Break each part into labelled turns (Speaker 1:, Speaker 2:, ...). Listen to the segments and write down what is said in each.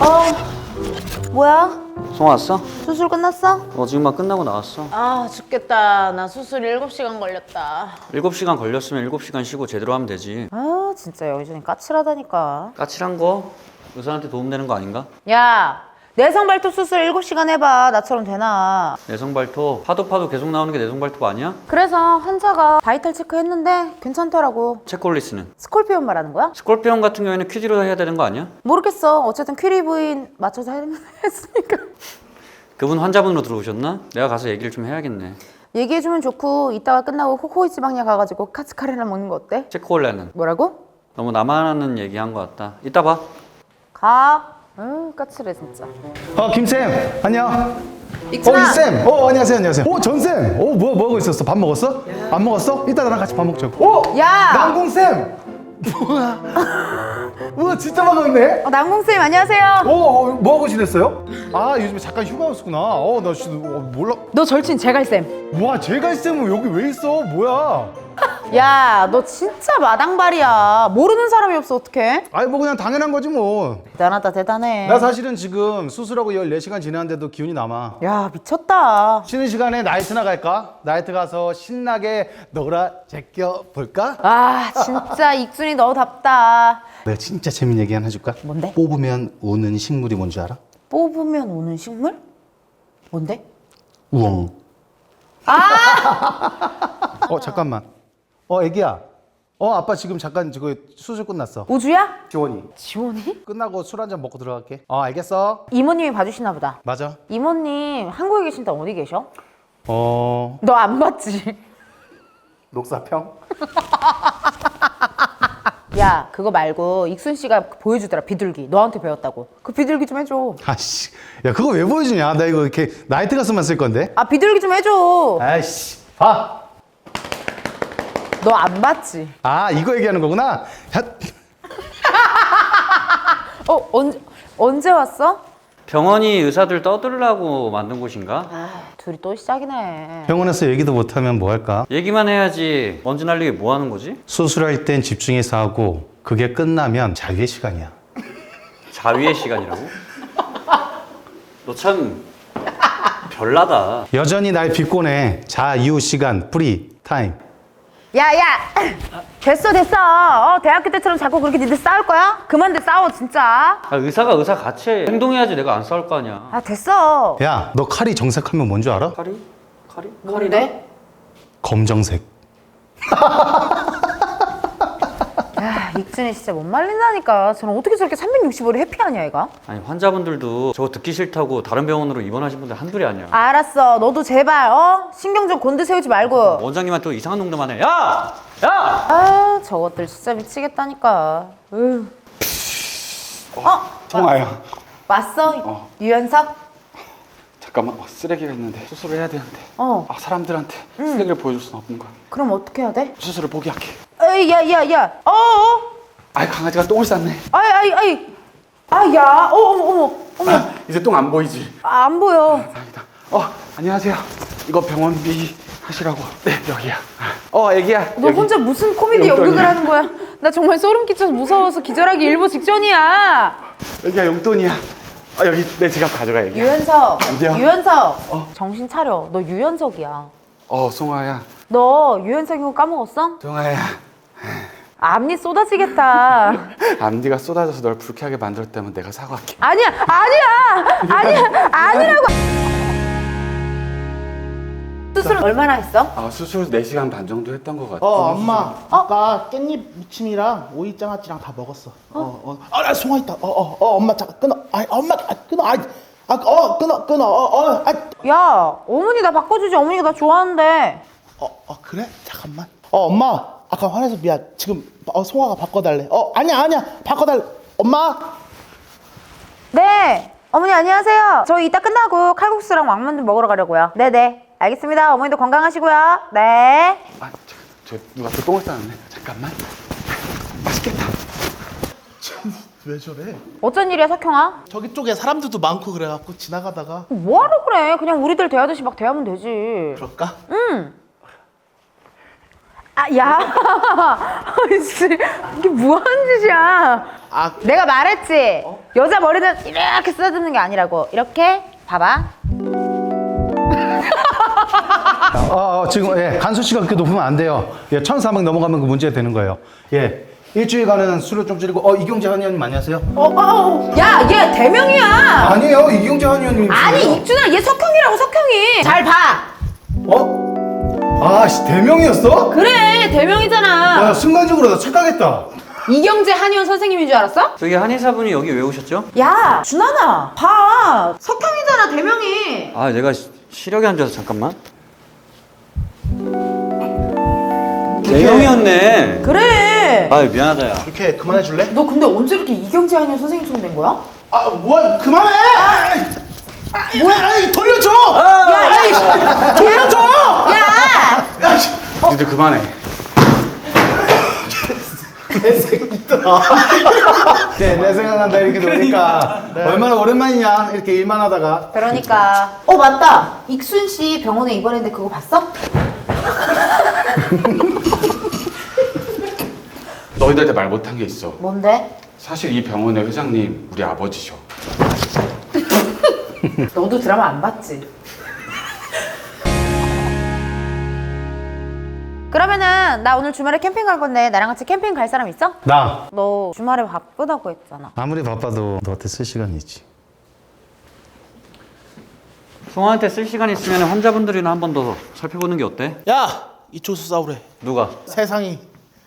Speaker 1: 뭐야?
Speaker 2: 송아 왔어?
Speaker 1: 수술 끝났어?
Speaker 2: 지금 막 끝나고 나왔어.
Speaker 1: 아 죽겠다. 나 수술 7시간 걸렸다.
Speaker 2: 7시간 걸렸으면 7시간 쉬고 제대로 하면 되지.
Speaker 1: 아 진짜 여기저기 까칠하다니까.
Speaker 2: 까칠한 거 의사한테 도움되는 거 아닌가?
Speaker 1: 야 내성 발톱 수술 7시간 해봐. 나처럼 되나.
Speaker 2: 내성 발톱 파도 계속 나오는 게 내성 발톱 아니야?
Speaker 1: 그래서 환자가 바이탈 체크 했는데 괜찮더라고.
Speaker 2: 체콜리스는?
Speaker 1: 스콜피온 말하는 거야?
Speaker 2: 스콜피온 같은 경우에는 퀴즈로 해야 되는 거 아니야?
Speaker 1: 모르겠어. 어쨌든 퀴리 부인 맞춰서 했으니까.
Speaker 2: 그분 환자분으로 들어오셨나? 내가 가서 얘기를 좀 해야겠네.
Speaker 1: 얘기해주면 좋고 이따가 끝나고 호호이 지방약 가가지고 카츠카레나 먹는 거 어때?
Speaker 2: 체콜레는?
Speaker 1: 뭐라고?
Speaker 2: 너무 나만 하는 얘기한 것 같다. 이따 봐.
Speaker 1: 가. 까칠해 진짜.
Speaker 3: 김쌤, 안녕.
Speaker 1: 익순아.
Speaker 3: 이쌤. 안녕하세요, 안녕하세요. 전쌤. 뭐 하고 있었어? 밥 먹었어? 안 먹었어? 이따 나랑 같이 밥 먹자고.
Speaker 1: 야.
Speaker 3: 남궁쌤. 우와, 진짜 반갑네.
Speaker 1: 남궁쌤 안녕하세요.
Speaker 3: 뭐 하고 지냈어요? 아, 요즘에 잠깐 휴가였구나. 나 진짜 몰라.
Speaker 1: 너 절친 제갈쌤.
Speaker 3: 와, 제갈쌤은 여기 왜 있어? 뭐야?
Speaker 1: 야, 너 진짜 마당발이야. 모르는 사람이 없어, 어떡해?
Speaker 3: 아니, 뭐 그냥 당연한 거지 뭐.
Speaker 1: 대단하다, 대단해.
Speaker 3: 나 사실은 지금 수술하고 14시간 지났는데도 기운이 남아.
Speaker 1: 야, 미쳤다.
Speaker 3: 쉬는 시간에 나이트나 갈까? 나이트 가서 신나게 놀아 제껴 볼까?
Speaker 1: 아, 진짜 익순이 너답다.
Speaker 3: 내가 진짜 재밌는 얘기 하나 해줄까?
Speaker 1: 뭔데?
Speaker 3: 뽑으면 우는 식물이 뭔지 알아?
Speaker 1: 뽑으면 오는 식물? 뭔데?
Speaker 3: 우엉. 잠깐만. 애기야. 아빠 지금 잠깐 수술 끝났어.
Speaker 1: 우주야?
Speaker 3: 지원이.
Speaker 1: 지원이?
Speaker 3: 끝나고 술 한잔 먹고 들어갈게. 알겠어.
Speaker 1: 이모님이 봐주시나 보다.
Speaker 3: 맞아.
Speaker 1: 이모님 한국에 계신데 어디 계셔?
Speaker 3: 어...
Speaker 1: 너 안 봤지?
Speaker 3: 녹사평?
Speaker 1: 야, 그거 말고 익순 씨가 보여주더라, 비둘기. 너한테 배웠다고. 그 비둘기 좀 해줘.
Speaker 3: 아씨. 야, 그거 왜 보여주냐? 나 이거 이렇게 나이트 가서만 쓸 건데.
Speaker 1: 아, 비둘기 좀 해줘.
Speaker 3: 아이씨. 봐.
Speaker 1: 너 안 봤지?
Speaker 3: 이거 얘기하는 거구나.
Speaker 1: 언제 왔어?
Speaker 2: 병원이 의사들 떠들라고 만든 곳인가?
Speaker 1: 둘이 또 시작이네.
Speaker 3: 병원에서 얘기도 못하면 뭐 할까?
Speaker 2: 얘기만 해야지. 먼지 날리게 뭐 하는 거지?
Speaker 3: 수술할 땐 집중해서 하고 그게 끝나면 자유의 시간이야.
Speaker 2: 자위의 시간이라고? 너 참 별나다.
Speaker 3: 여전히 날 비꼬네. 자유 시간, 프리 타임.
Speaker 1: 야, 됐어. 대학교 때처럼 자꾸 그렇게 니들 싸울 거야? 그만들 싸워, 진짜.
Speaker 2: 의사가 의사 같이 해. 행동해야지 내가 안 싸울 거 아니야.
Speaker 1: 됐어.
Speaker 3: 야, 너 칼이 정색하면 뭔 줄 알아?
Speaker 2: 칼이? 칼이?
Speaker 1: 뭔데?
Speaker 3: 검정색.
Speaker 1: 야, 익준이 진짜 못 말린다니까. 저는 어떻게 저렇게 365일 해피하냐, 얘가?
Speaker 2: 아니 환자분들도 저거 듣기 싫다고 다른 병원으로 입원하신 분들 한둘이 아니야.
Speaker 1: 알았어. 너도 제발, 신경 좀 곤두 세우지 말고.
Speaker 2: 원장님한테 또 이상한 농담만 해. 야!
Speaker 1: 저것들 진짜 미치겠다니까.
Speaker 4: 송아야,
Speaker 1: 왔어? 유연석?
Speaker 4: 잠깐만. 쓰레기가 있는데 수술을 해야 되는데 사람들한테 쓰레기를 보여줄 수는 없는 거야.
Speaker 1: 그럼 어떻게 해야 돼?
Speaker 4: 수술을 포기할게.
Speaker 1: 에이, 야.
Speaker 4: 강아지가 똥을 쌌네.
Speaker 1: 어머.
Speaker 4: 이제 똥 안 보이지?
Speaker 1: 안 보여.
Speaker 4: 다행이다. 안녕하세요. 이거 병원비 하시라고. 네, 여기야. 애기야.
Speaker 1: 너
Speaker 4: 여기.
Speaker 1: 혼자 무슨 코미디
Speaker 4: 용돈이야.
Speaker 1: 연극을 하는 거야? 나 정말 소름 끼쳐서 무서워서 기절하기 일보 직전이야.
Speaker 4: 여기야, 용돈이야. 여기 내 지갑 가져가, 애기야.
Speaker 1: 유연석.
Speaker 4: 어디야?
Speaker 1: 유연석. 정신 차려. 너 유연석이야.
Speaker 4: 송아야.
Speaker 1: 너 유연석인 거 까먹었어?
Speaker 4: 송아야.
Speaker 1: 앞니 쏟아지겠다.
Speaker 4: 앞니가 쏟아져서 널 불쾌하게 만들었다면 내가 사과할게.
Speaker 1: 아니라고. 수술은 얼마나 했어?
Speaker 4: 수술 4시간 반 정도 했던 것 같아.
Speaker 5: 엄마. 아까 깻잎 무침이랑 오이장아찌랑 다 먹었어. 나 송아 있다. 엄마 잠깐 끊어. 엄마 끊어. 끊어.
Speaker 1: 야, 어머니 나 바꿔주지. 어머니가 나 좋아하는데.
Speaker 5: 그래? 잠깐만. 엄마. 아까 화내서 미안. 지금 송아가 바꿔달래. 아니야. 바꿔달래. 엄마.
Speaker 1: 네. 어머니 안녕하세요. 저희 이따 끝나고 칼국수랑 왕만두 먹으러 가려고요. 네네. 알겠습니다. 어머니도 건강하시고요. 네.
Speaker 4: 저 누가 또 똥을 싸놨네. 잠깐만. 맛있겠다.
Speaker 5: 왜 저래?
Speaker 1: 어쩐 일이야, 석형아?
Speaker 5: 저기 쪽에 사람들도 많고 그래갖고 지나가다가.
Speaker 1: 뭐하러 그래? 그냥 우리들 대하듯이 막 대하면 되지.
Speaker 5: 그럴까?
Speaker 1: 야, 아이씨, 이게 뭐 하는 짓이야? 내가 말했지. 여자 머리는 이렇게 쓰다듬는 게 아니라고. 이렇게 봐봐.
Speaker 3: 지금 예, 간수치가 그렇게 높으면 안 돼요. 예, 1,400 넘어가면 그 문제가 되는 거예요. 예. 일주일간은 술을 좀 줄이고 이경재 한의원님 안녕하세요?
Speaker 1: 야, 얘 대명이야.
Speaker 3: 아니에요. 이경재 한의원님.
Speaker 1: 아니, 익준아, 얘 석형이라고, 석형이. 잘 봐.
Speaker 3: 대명이었어?
Speaker 1: 그래, 대명이잖아.
Speaker 3: 야, 순간적으로 나 착각했다.
Speaker 1: 이경재 한의원 선생님인 줄 알았어?
Speaker 2: 저기 한의사분이 여기 왜 오셨죠?
Speaker 1: 야, 준하나, 봐. 석형이잖아, 대명이.
Speaker 2: 아, 내가 시력이 안 좋아서 잠깐만. 대형이었네.
Speaker 1: 그래.
Speaker 2: 아, 미안하다, 야.
Speaker 5: 이렇게 그만해 줄래?
Speaker 1: 너 근데 언제 이렇게 이경재 한의원 선생님처럼 된 거야?
Speaker 5: 뭐야 그만해. 뭐야 돌려줘.
Speaker 1: 야,
Speaker 5: 돌려줘.
Speaker 1: 야!
Speaker 4: 니들 그만해.
Speaker 3: 내 생각난다 이렇게 노니까 얼마나 오랜만이냐 이렇게 일만 하다가.
Speaker 1: 그러니까. 맞다. 익순 씨 병원에 입원했는데 그거 봤어?
Speaker 4: 너희들한테 말 못한 게 있어.
Speaker 1: 뭔데?
Speaker 4: 사실 이 병원의 회장님 우리 아버지셔.
Speaker 1: 너도 드라마 안 봤지? 그러면은 나 오늘 주말에 캠핑 갈 건데 나랑 같이 캠핑 갈 사람 있어?
Speaker 3: 나
Speaker 1: 너 주말에 바쁘다고 했잖아.
Speaker 3: 아무리 바빠도 너한테 쓸 시간이 있지.
Speaker 2: 송아한테 쓸 시간 있으면 환자분들이나 한 번 더 살펴보는 게 어때?
Speaker 5: 야 이쪽에서 싸우래.
Speaker 2: 누가?
Speaker 5: 세상이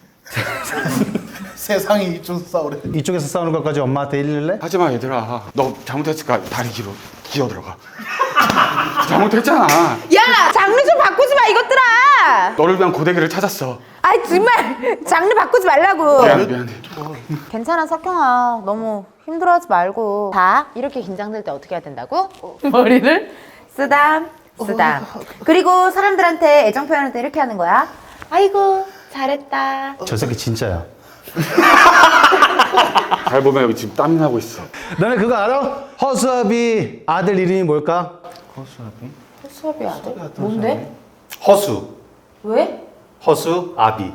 Speaker 5: 이쪽에서 싸우래.
Speaker 3: 이쪽에서 싸우는 것까지 엄마한테 일릴래?
Speaker 4: 하지마 얘들아. 너 잘못했으니까 다리 뒤로 기어 들어가. 잘못했잖아.
Speaker 1: 야! 장르 좀 바꾸지 마 이것들아!
Speaker 4: 너를 위한 고데기를 찾았어.
Speaker 1: 아이 정말 장르 바꾸지 말라고.
Speaker 4: 미안해.
Speaker 1: 괜찮아 석형아. 너무 힘들어하지 말고. 봐. 이렇게 긴장될 때 어떻게 해야 된다고? 머리를 쓰담 쓰담. 그리고 사람들한테 애정 표현할 때 이렇게 하는 거야. 아이고 잘했다.
Speaker 3: 저 새끼 진짜야.
Speaker 4: 잘 보면 여기 지금 땀이 나고 있어.
Speaker 3: 너네 그거 알아? 허수아비 아들 이름이 뭘까?
Speaker 1: 수업이 아들? 뭔데?
Speaker 3: 허수.
Speaker 1: 왜?
Speaker 3: 허수아비.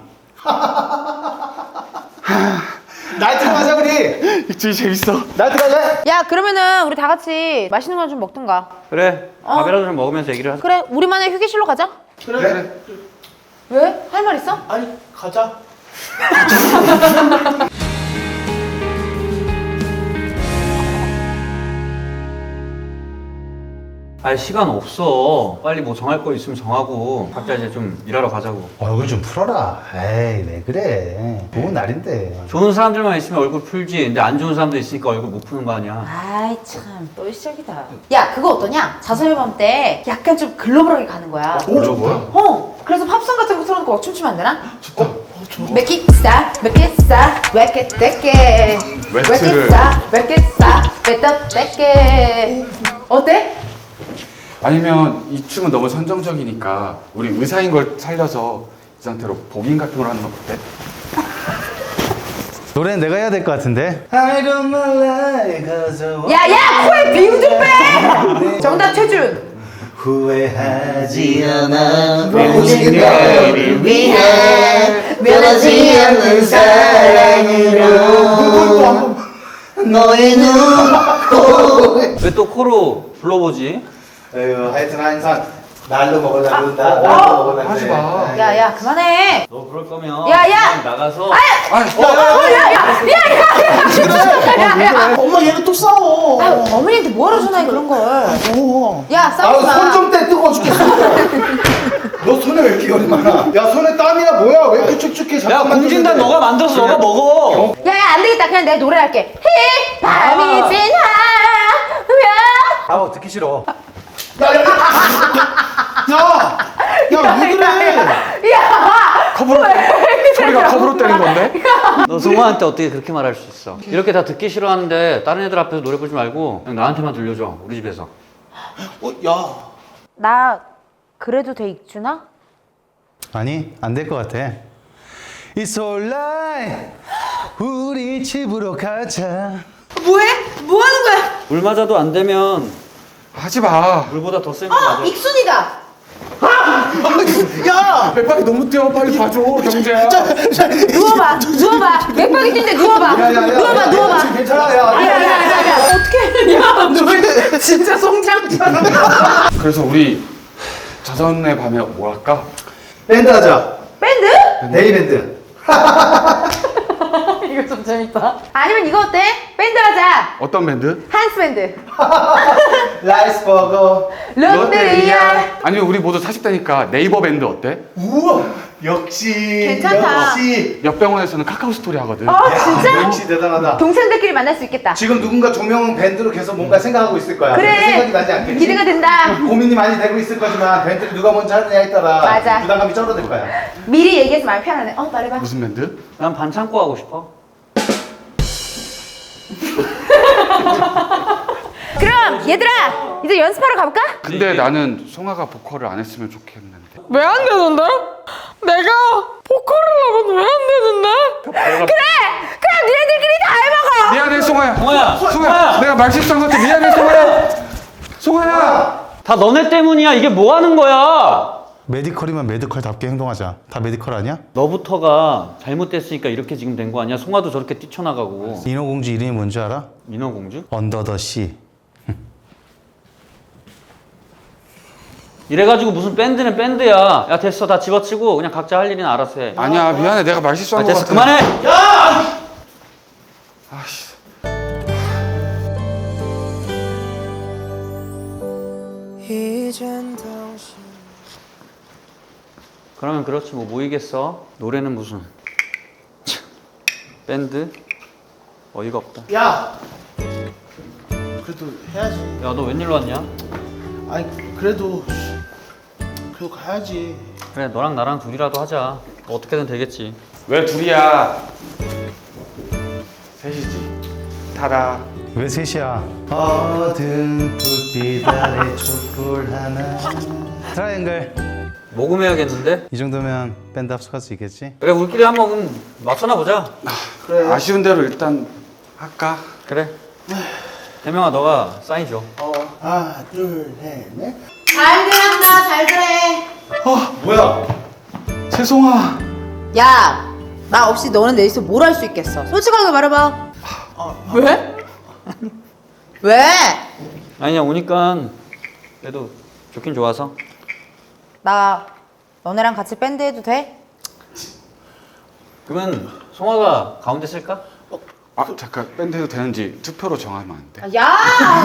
Speaker 3: 나이트 가자 우리.
Speaker 4: 입질이 재밌어.
Speaker 3: 나이트 가자.
Speaker 1: 야 그러면은 우리 다 같이 맛있는 거 좀 먹든가.
Speaker 2: 그래, 밥이라도 좀 먹으면서 얘기를 하자.
Speaker 1: 그래 우리만의 휴게실로 가자.
Speaker 5: 그래.
Speaker 1: 왜? 할 말 있어?
Speaker 5: 아니 가자.
Speaker 2: 아, 시간 없어. 빨리 뭐 정할 거 있으면 정하고 각자 이제 좀 일하러 가자고.
Speaker 3: 얼굴 좀 풀어라. 에이 왜 그래. 좋은 날인데.
Speaker 2: 좋은 사람들만 있으면 얼굴 풀지. 근데 안 좋은 사람들 있으니까 얼굴 못 푸는 거 아니야.
Speaker 1: 아이 참 또 시작이다. 야 그거 어떠냐? 자선 앨범 때 약간 좀 글로벌하게 가는 거야.
Speaker 4: 저 뭐야?
Speaker 1: 그래서 팝송 같은 거 틀어놓고 막 춤추면 안 되나? 좋다. Make it stop, make it stop, make it take it. Make it
Speaker 4: 웨트를.
Speaker 1: stop, make it stop, make it take it. 어때?
Speaker 4: 아니면 이 춤은 너무 선정적이니까 우리 의사인 걸 살려서 이 상태로 복인 같은 걸 하는 건 어때?
Speaker 3: 노래는 내가 해야 될 것 같은데. I don't like
Speaker 1: 야야 코에 비음 좀 빼. 정답 최준.
Speaker 3: 후회하지 않아
Speaker 1: 모든 너를 위해 변하지 않는 사랑으로
Speaker 3: 너의 눈.
Speaker 2: 왜 또 코로 불러보지?
Speaker 3: 하여튼 항상 날로 먹으려고 한다. 날로 먹으려고
Speaker 4: 하지 마.
Speaker 1: 야야 그만해.
Speaker 2: 너 그럴 거면
Speaker 1: 야, 야!
Speaker 2: 그냥 나가서
Speaker 1: 야야야야야야야.
Speaker 5: 엄마 얘는 또 싸워.
Speaker 1: 어머니한테 뭐하러 전화해 그런 걸. 야 싸우지 마.
Speaker 3: 손 좀 떼 뜨거워 죽겠어. 너 손에 왜 이렇게 열이 많아? 야 손에 땀이야 뭐야? 왜 이렇게 축축해?
Speaker 2: 야,
Speaker 3: 잠깐만
Speaker 2: 공진단
Speaker 3: 좀
Speaker 2: 너가 만들어서 너가 먹어.
Speaker 1: 야야 안 되겠다. 그냥 내가 노래할게. 히 밤이 지나면.
Speaker 3: 아 듣기 싫어.
Speaker 5: 야왜 그래?
Speaker 4: 컵으로 소리가 컵으로 때린 건데?
Speaker 2: 너 송아한테 어떻게 그렇게 말할 수 있어? 이렇게 다 듣기 싫어하는데 다른 애들 앞에서 노래 부르지 말고 그냥 나한테만 들려줘. 우리 집에서.
Speaker 5: 야.
Speaker 1: 나 그래도 돼 익준아?
Speaker 3: 아니 안 될 것 같아. It's alright. 우리 집으로 가자.
Speaker 1: 뭐해? 뭐 하는 거야?
Speaker 2: 물 맞아도 안 되면
Speaker 4: 하지 마.
Speaker 2: 물보다 더 센 거 맞아.
Speaker 1: 익순이다.
Speaker 5: 야!
Speaker 4: 맥박이 너무 뛰어. 빨리 봐줘, 경재야.
Speaker 1: 누워봐. 맥박이 뛴데 누워봐. 누워봐.
Speaker 3: 괜찮아. 야.
Speaker 1: 어떻게? 진짜 송장잖아.
Speaker 4: 그래서 우리 자선의 밤에 뭐 할까?
Speaker 3: 밴드 하자.
Speaker 1: 밴드?
Speaker 3: 네이 밴드.
Speaker 1: 이거 좀 재밌다. 아니면 이거 어때? 밴드 하자.
Speaker 4: 어떤 밴드?
Speaker 1: 한스 밴드.
Speaker 3: 라이스버거.
Speaker 1: 롯데리아.
Speaker 4: 아니면 우리 모두 40대니까 네이버 밴드 어때?
Speaker 3: 우와. 역시.
Speaker 1: 괜찮다.
Speaker 3: 역시.
Speaker 4: 옆병원에서는 카카오 스토리 하거든.
Speaker 1: 진짜?
Speaker 3: 역시 대단하다.
Speaker 1: 동생들끼리 만날 수 있겠다.
Speaker 3: 지금 누군가 조명 밴드로 계속 뭔가 생각하고 있을 거야.
Speaker 1: 그래.
Speaker 3: 생각이 나지 않겠지?
Speaker 1: 기대가 된다.
Speaker 3: 고민이 많이 되고 있을 거지만 밴드를 누가 먼저 하느냐에 따라
Speaker 1: 맞아.
Speaker 3: 부담감이 줄어들 거야.
Speaker 1: 미리 얘기해서 마음 편하네. 말해봐.
Speaker 4: 무슨 밴드?
Speaker 2: 난 반창고 하고 싶어.
Speaker 1: 그럼 얘들아 이제 연습하러 가볼까?
Speaker 4: 근데 나는 송아가 보컬을 안 했으면 좋겠는데.
Speaker 6: 왜 안 되는데? 내가 보컬을 하면 왜 안 되는데?
Speaker 1: 그래 니네들끼리 다 해먹어.
Speaker 4: 미안해, 송아야.
Speaker 2: 송아야,
Speaker 4: 송아야, 내가 말 실수한 것 같아. 미안해, 송아야. 송아야.
Speaker 2: 다 너네 때문이야. 이게 뭐 하는 거야?
Speaker 3: 메디컬이면 메디컬답게 행동하자. 다 메디컬 아니야?
Speaker 2: 너부터가 잘못됐으니까 이렇게 지금 된 거 아니야? 송아도 저렇게 뛰쳐나가고.
Speaker 3: 인어공주 이름이 뭔지 알아?
Speaker 2: 민호공주?
Speaker 3: 언더 더 씨.
Speaker 2: 이래가지고 무슨 밴드는 밴드야. 야 됐어, 다 집어치고 그냥 각자 할 일이나 알아서 해.
Speaker 4: 아니야, 미안해. 내가 말 실수한 것
Speaker 2: 됐어,
Speaker 4: 같아.
Speaker 2: 그만해.
Speaker 4: 아씨.
Speaker 2: 그러면 그렇지 뭐 모이겠어. 노래는 무슨 참, 밴드 어이가 없다.
Speaker 5: 야! 그래도 해야지.
Speaker 2: 야 너 웬일로 왔냐?
Speaker 5: 아니 그래도 가야지.
Speaker 2: 그래 너랑 나랑 둘이라도 하자. 어떻게든 되겠지.
Speaker 4: 왜 둘이야? 셋이지. 타라.
Speaker 3: 왜 셋이야? 어두운 불빛 아래 촛불 하나. 트라이앵글.
Speaker 2: 모금해야겠는데?
Speaker 3: 이 정도면 밴드 합숙할 수 있겠지?
Speaker 2: 그래 우리끼리 한번 맞서나 보자.
Speaker 5: 그래.
Speaker 4: 아쉬운 대로 일단 할까?
Speaker 2: 그래. 대명아 너가 사인 줘.
Speaker 5: 하나, 둘, 셋, 넷.
Speaker 1: 잘 들었나 잘 그래.
Speaker 3: 뭐야?
Speaker 4: 세송아.
Speaker 1: 야 나 없이 너는 내 있어 뭘 할 수 있겠어. 솔직하게 말해봐. 왜? 왜?
Speaker 2: 아니야 오니까 그래도 좋긴 좋아서.
Speaker 1: 나 너네랑 같이 밴드 해도 돼?
Speaker 2: 그러면 송아가 가운데 쓸까?
Speaker 4: 아 잠깐, 밴드 해도 되는지 투표로 정하면 안 돼?
Speaker 1: 야!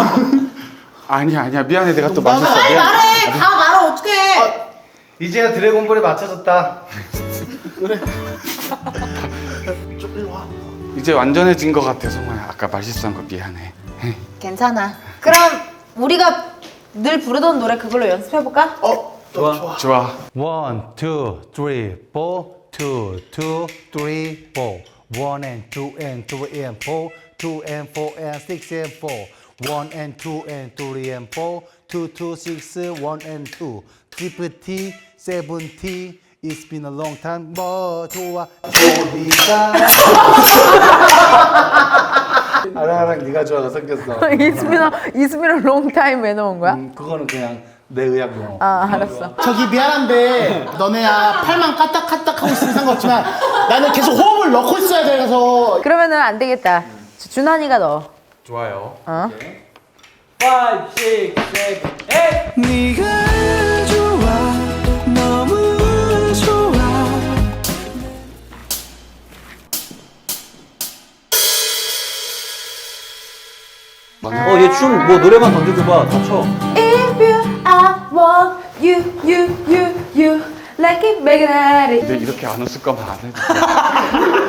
Speaker 4: 아니야 미안해. 내가 또 말했어.
Speaker 1: 빨리 말해. 다 말아 어떡해.
Speaker 3: 이제야 드래곤볼에 맞춰졌다.
Speaker 5: 좀 일로 와.
Speaker 4: 이제 완전해진 것 같아, 송아야. 아까 말 실수한 거 미안해.
Speaker 1: 괜찮아. 그럼 우리가 늘 부르던 노래 그걸로 연습해볼까?
Speaker 2: 좋아.
Speaker 4: 좋아.
Speaker 3: 1, 2, 3, 4. 2, 2, 3, 4. 1 and 2 and 3 and 4. 2 and 4 and 6 and 4. 1 and 2 and 3 and 4. 2, 2, 6, 1 and 2. T, 7T. It's been a long time. 뭐 좋아. 좋으니까. 아랑아랑 네가 좋아가 생겼어.
Speaker 1: 이스미너 롱타임 왜 넣은 거야?
Speaker 3: 그거는 그냥 내 의학 용어.
Speaker 1: 아 알았어.
Speaker 5: 저기 미안한데 너네야 팔만 까딱까딱 하고 있으면 상관없지만 나는 계속 호흡을 넣고 있어야 돼서.
Speaker 1: 그러면은 안 되겠다. 준환이가 넣어.
Speaker 4: 좋아요.
Speaker 2: 5, 6, 7, 8.
Speaker 6: 네가 좋아 너무 좋아.
Speaker 2: 얘 춤 뭐 노래만 던져줘봐. 다 쳐.
Speaker 1: If you I want you like it magnetic.
Speaker 4: 근데 이렇게 안 웃을 거면 안 해도 돼.